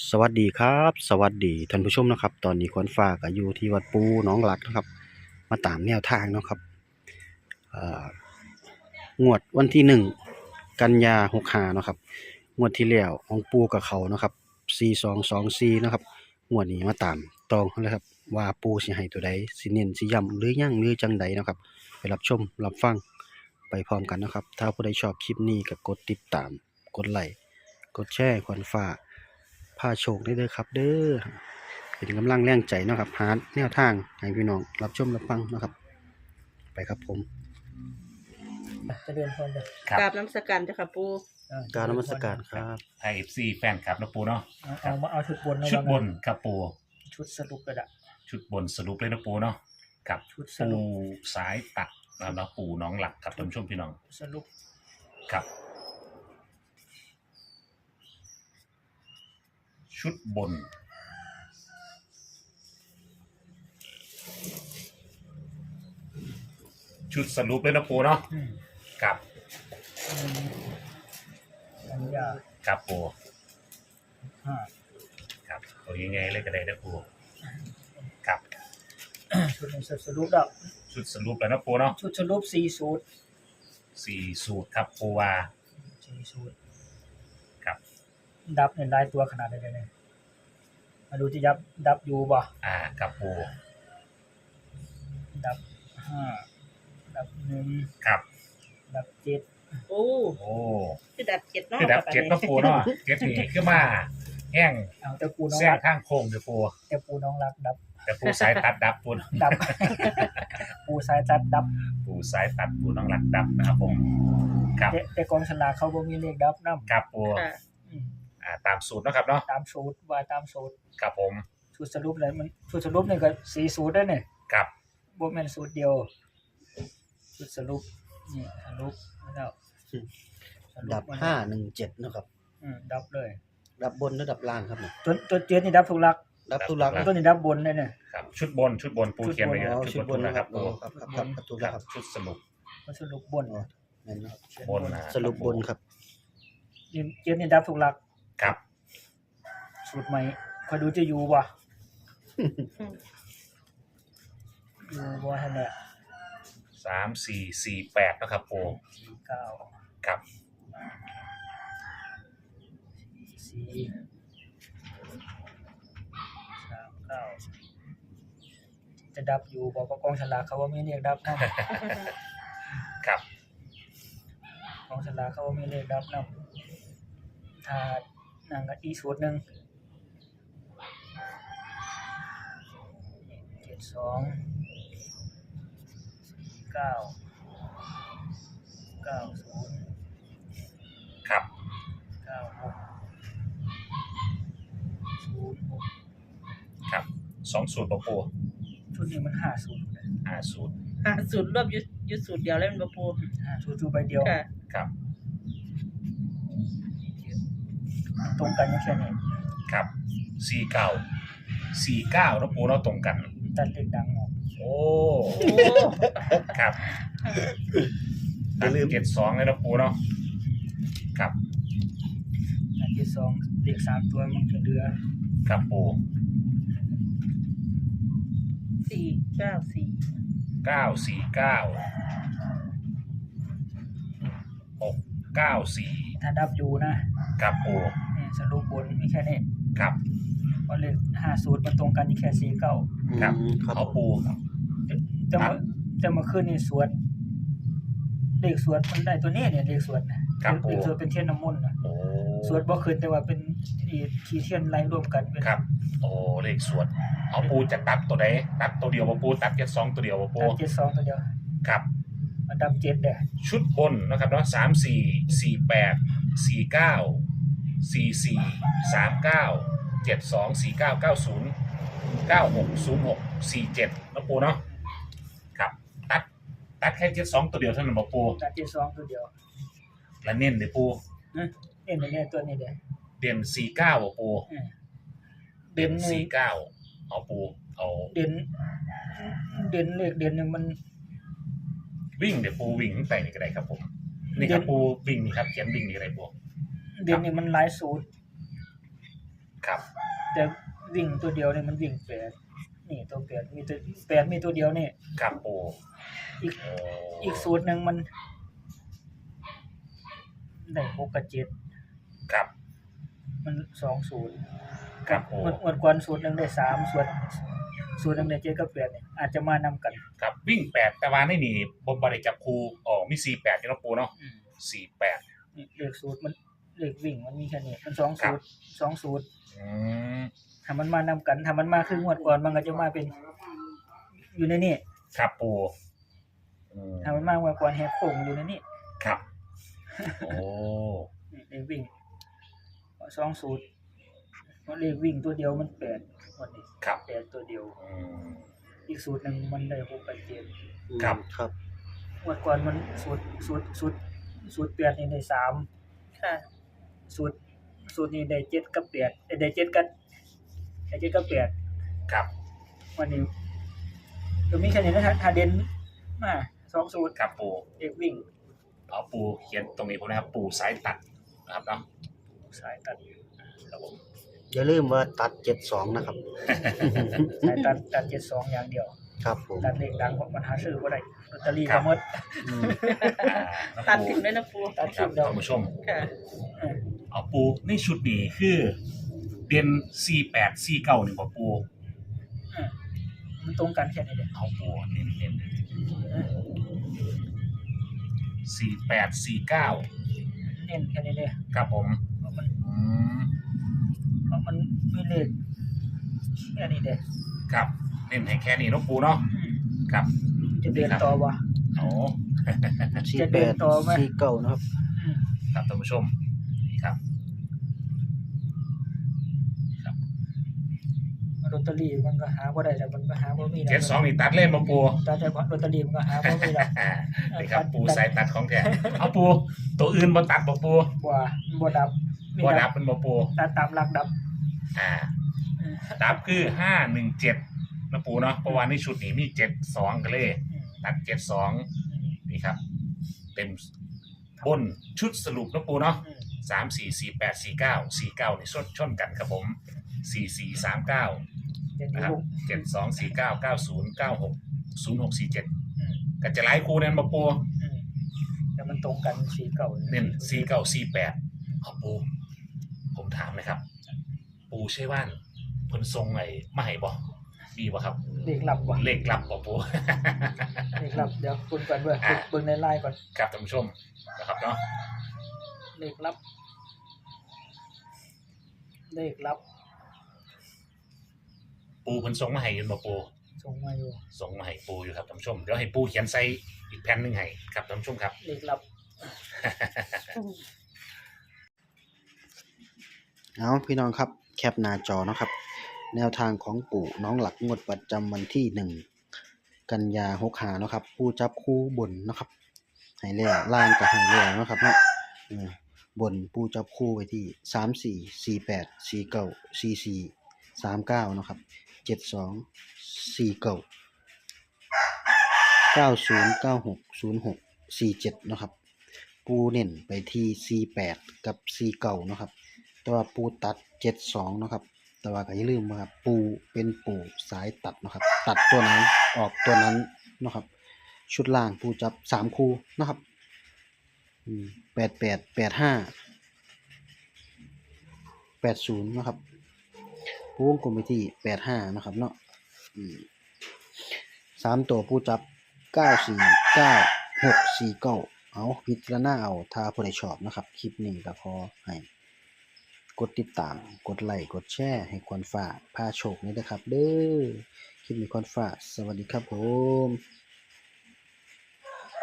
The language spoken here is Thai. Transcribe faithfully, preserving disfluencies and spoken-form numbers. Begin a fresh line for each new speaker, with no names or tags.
สวัสดีครับสวัสดีท่านผู้ชมนะครับตอนนี้ขวัญฟ้าก็อยู่ที่วัดปูหนองหลักนะครับมาตามแนวทางเนาะครับเอ่องวดวันที่หนึ่งกันยาหกห้าเนาะครับงวดที่แล้วของปูกับเขาเนาะครับสี่สองสองสี่เนาะครับงวดนี้มาตามตองเลยครับว่าปูสิให้ตัวใดสิเน้นสิย้ำหรือยังหรือจังใดเนาะครับไปรับชมรับฟังไปพร้อมกันนะครับถ้าผู้ใดชอบคลิปนี้ก็กดติดตามกดไลค์กดแชร์ขวัญฟ้าพาโชคได้เด้อครับเด้อเป็นกำลังแรงใจเนาะครับหาแนวทางให้พี่น้องรับชมรับฟังเนาะครับไปครับผม
เจะเรียนพรจ้ะ
ครับ
กราบน้ำสกันจ้ะค่ะปู
อ่
กรารนมัสการครับ
ไทยเอฟซีแฟนครับนะปูเนาะ
เอาเอามาเอาชุดบนนะ
ชุดบน
ว่างั้
ครับปู
ชุดสรุปกระดะ
ชุดบนสรุปเลยนะปูเนาะกับ
ชุดส
ปู
รุป
สายตัดแล้วนะปูน้องหลักครับท่านผู้ชมพี่น้อง
สรุป
ครับ ชุดบน ชุดสรุปเลยนะปูเนาะ
อืม
กับ
อืมสัญญา
กับปู
ห้า
ครับตัวยังไงเลยก็ได้นะปูกับ
ชุดนี้สรุปแล้ว
ชุดสรุปแล้วนะปูเนาะ
ชุดสรุปสี่สูตร
สี่สูตรครับปูว่า
สี่สูตร
ครับ
ดับเนี่ยลายตัวขนาดไหนเนี่ยมาดูที่ยับดับอยู่บ่
อ่ากับปู
ดับห้าดับหนึ่ง
ครับ
ดับเจ็ด
โอ้
โอ้
คือดับเจ็ดเนาะ
คือดับเจ็ดนะปูเนาะเจ็ดนี่คือมาแห้ง
เอาแต่ปูน้อง
แซง
รัก
ข้างโค้งเดี๋ยวปู
แต่ปูน้องรักดับ
แต่ปูสายตัดดับปู
ดับ ปูสายจัดดับ
ปูสายตัดปูน้องหลักดับนะครับผมครับ
แต่แต่กองฉลากเขาบ่มีเลขดับนำ
ครับปู
ค่ะ
อืม
อ่าตามสูตรเนาะครับเนาะ
ตามสูตรว่าตามสูตร
ครับผม
สูตรสรุปเลยมันสูตรสรุปนี่ก็สี่สูตรได้เนี่ย
ครับ
บ่แม่นสูตรเดียวสูตรสรุปนี่สรุปแล้วสรุป
ดับ
มัน
ห้าหนึ่งเจ็ดนะครับ
อืมดับเลย
ดับบนและดับล่างครับเนี่ย
ตัวตัวเจ็ดนี่ดับทุกหลัก
ดับตุลัก
ตัวนี้ดับบนเลยเนี่ย
ครับชุดบนชุดบนปูเขียนไว้เย
อ๋
อะ
อ
ชุดบนนะครับ
อ๋
ปู
อครับครับครับครับตุ
ค
ลั
รั
กครับ
บชุดสรุป
มันสรุปบน
อ๋อนั่นนะครับ
เขีย
บนนะ
สรุปบนครับ
นี่เจ็ดนี่ดับทุกหลัก
ครับ
สูตรใหม่คอยดูจะอยู่บ่อยู่บ่ให้แน่
สามสี่สี่แปดนะครับปู
เก้า
ครับ
สี่สามเก้าจะดับอยู่บ่ก็กองฉลากเขาว่ามีเลขดับนำ
ครับ
ของฉลากเขาว่ามีเลขดับนำถ้านั่นก็อีกสูตรหนึ่งเจ็ดสองเก้าเก้าศูนย์
ครับ
เก้าหกศูนย์หก
ครับสองสูตรปะปู
ชุดนี้มันห้าศูนย์เลย
ห้าสูตร
หาสูตรรวบอยุยุดสูตรเดียวแล้วมันบ่ปู
ห้าศูนย์สูตรใบเดียว
ค่ะ
ครับ
มันตรงกันอยู่แค่นี้
ครับสี่เก้าสี่เก้าแล้วปูเราตรงกัน
ตัดเลขดังออก
โอ้
โอ้
ครับลืมเจ็ดสองเลยนะปูเนาะครับ
อันที่สองเลขสามตัวมันจะเหลือ
ครับปู
สี่เก้าสี่
เก้าสี่เก้าหกเก้าสี่
ถ้าดับอยู่นะครับ
ปู
นี่สรุปบนมีแค่นี้
ครับ
เพราะเลขห้าสูตรมันตรงกันอยู่แค่สี่เก้า
ครับ
อืมครับ
เอาปู
จะมาจะมาขึ้นนี่สวดเลขสวดมันได้ตัวนี้เนี่ยเลขสวดนะครับ
ปู
เลขสวดเป็นเทียนน้ำมนต์นะ
โอ้
สวดบ่ขึ้นแต่ว่าเป็นที่ที่เทียนไล่รวมกันเป็น
ครับ โอ้เลขสวดเอาปูจะตัดตัวไหนตัดตัวเดียวปะปูตัดเจ็ดสองตัวเดียวปะปู
ดับเจ็ดสองตัวเดียว
ครับ
มันดับเจ็ดเด้อ
ชุดบนนะครับเนาะสามสี่สี่แปดสี่เก้าสี่สี่สามเก้าเจ็ดสองสี่เก้าเก้าศูนย์เก้าหกศูนย์หกสี่เจ็ดนะปูเนาะครับตัดตัดแค่เจ็ดสองตัวเดียวเท่านั้นบ่ปู
ดับเจ็ดสองตัวเดียว
แล้วเน้นเลยปู
นะเอ็นเนี่ยตัวนี้เด้อ
เด่นสี่เก้าบ่ปู
อืม
เด่นสี่เก้าเอาปูเอา
เด่นเด่นเลขเด่นเนี่ยมัน
วิ่งเดี๋ยวปูวิ่งไปนี่ก็ได้ครับผมนี่ครับปูวิ่งนี่ครับเขียนวิ่งนี่ก็ได้ปู
เด่นเนี่ยมันหลายสูตร
ครับ
แต่วิ่งตัวเดียวเนี่ยมันวิ่งแปดนี่ตัวแปดมีตัวแปดมีตัวเดียวนี่
ครับปู
อีก
โอ้
อีกสูตรหนึ่งมันได้หกกับเจ็ด
ครับ
มันสองศูนย์
ครับปู
งวดงวดก่อนสูตรหนึ่งได้สามส่วนสูตรหนึ่งได้เจ็ดกับแปดเนี่ยอาจจะมานำกัน
ครับวิ่งแปดแต่ว่าในนี่บ่บ่ได้จับคู่อ๋อมีสี่แปดอยู่เนาะปูเนาะ
อืม
สี่แปด
นี่เลขสูตรมันเลขวิ่งมันมีแค่นี้มันสอง
ครั
สู
บ
ตรสองสูตร
อืม
ถ้ามันมานำกันถ้ามันมาครึ่งงวดก่อนมันก็จะมาเป็น อยู่ในนี่
ครับปูอืม
ถ้ามันมางวดก่อนแหกโค้งอยู่ในนี่
ครับ โอ้
นี่เลขวิ่งสองสูตรเพราะเลขวิ่งตัวเดียวมันแปดวันนี้
ครับ
แปดตัวเดียว
อืม
อีกสูตรหนึ่งมันได้หกกับเจ็ด
ครับ
ครับ
งวดก่อนมันสูตรสูตรสูตรสูตรแปดนี่ได้สาม
ค่ะ
สูตรสูตรนี้ได้เจ็ดกับแปดเอ้ยได้เจ็ดกับได้เจ็ดกับแปด
ครับ
วันนี้ก็มีแค่นี้นะถ้าเด่นมาสองสูตร
ครับปู
เอกวิ่ง
เอาปูเขียนตรงนี้ผมนะครับ ปูสายตัดนะครับเนาะ
สายตัด
ครับผม
อย่าลืมว่าตัดเจ็ดสองนะครับ
สายตัดตัดเจ็ดสองอย่างเดียว
ครับผม
ตัดเลขดังของมันหาซื้อบ่ได้ลอตเตอรี่ก็หมด
อืม
อ่านะ
ตัด
ปู
ถึงด้วยนะปู
ตัด
ครั
ทิ้
บ
งแล้ว
ท่านผู้ชม
ค่ะ
เออ
เอาปูในชุดนี้คือเด่นสี่แปดสี่เก้านี่บ่ปู
เออมันตรงกันแค่นี้เด้
เอาปูเน้นเน้นสี่แปดสี่เก้า
เน้นแค่นี้เด้
ครับผม
เพราะมัน
อืม
เพราะมันมีเลขแค่นี้เด้
ครับเน้นให้แค่นี้เนาะปูเนาะ
อืม
ครับ
จะเดินต่อบ่
โอ้
สี่
จะ
แป
เดิน
ด
ต่อไหม
สี่เก้านะครับ
อืม
ครับท่านผู้ชมนี่ครับ
ลอตเตอรี่มันก็หาบ่ได้แล้วมันก็หาบ่มีแล้ว
เจ็ดสองนี่ตัดเล่นมาปู
ตัดแต่ลอตเตอรี่มันก็หาบ่มีแล้ว
นี่ครับปูใส่ตัดของแท้เอาปูตัวอื่นบ่ตัดบ่ปู
ว่าบ่ดับมี
บ่ดับเป็นบ่ปู
ตัดตามหลักดับ
อ่า
เออ
ดับคือห้าหนึ่งเจ็ดนะปูเนาะเพราะว่าในชุดนี้มีเจ็ดสองกันเลย
อืม
ตัดเจ็ดสอง
อืม
นี่ครับ เต็มบนชุดสรุปนะปูเนาะ
อืม
สามสี่สี่แปดสี่เก้าสี่เก้านี่ชนชนกันครับผมสี่สี่สามเก้า
เดี๋ยวนี้
นะครับ
ลูก
เจ็ดสองสี่เก้าเก้าศูนย์เก้าหกศูนย์หกสี่เจ็ด
อืม
ก็จะไล่คูนั่นมาปู
อืมแต่มันตรงกันสีเก่า
เน้นสี่เก้าสี่แปดเอาปู ผมถามนะครับ ปูใช่ว่านเพิ่นทรงไหนมาให้บ่มีบ่ครับ
เลขลับว่ะ
เลขลับบ่ปู
เลขลับเดี๋ยวคุณก่อนเบิ่ง
อ่ะ
เบิ่งในไลน์ก่อน
ครับท่านผู้ชมนะครับเนาะ
เลขลับ เลขลับ
ปูเพิ่นส่งมาให้อยืนบ่ปู
ส่งมาอยู่
ส่งมาให้ปูอยู่ครับท่านผู้ชมเดี๋ยวให้ปูเขียนใส่อีกแผ่นหนึงให้ครับท่านผู้ชมครับ
เลขลับ
เอาพี่น้องครับแคปหน้าจอเนาะครับ แนวทางของปู่น้องหลักงวดประจำวันที่หนึ่งกันยาหกหาเนาะครับผู้จับคู่บนเนาะครับให้แล้วล่างกับให้แล้วเนาะครับเนาะเออบนผู้จับคู่ไว้ที่สามสี่สี่แปดสี่เก้าสี่สี่สามเก้าเนาะครับเจ็ดสองสี่เก้าเก้าศูนย์เก้าหกศูนย์หกสี่เจ็ดเนาะครับปูเน้นไปที่สี่แปดกับสี่เก้าเนาะครับแต่ว่าปูตัดเจ็ดสองเนาะครับแต่ว่าก็อย่าลืมว่าปูเป็นปูสายตัดเนาะครับตัดตัวไหนออกตัวนั้นเนาะครับชุดล่างปูจับสามคู่เนาะครับอืมแปดแปดแปดห้าแปดศูนย์นะครับปูวงกลมไปที่แปดห้านะครับเนาะอืมสามตัวปูจับเก้าสี่เก้าหกสี่เก้าเอาพิจารณาเอาถ้าผู้ใดชอบนะครับคลิปนี้ก็ขอให้กดติดตามกดไลค์กดแชร์ให้ควรฝ่าพาโชคนี้นะครับเด้อคลิปนี้ควรฝ่าสวัสดีครับผม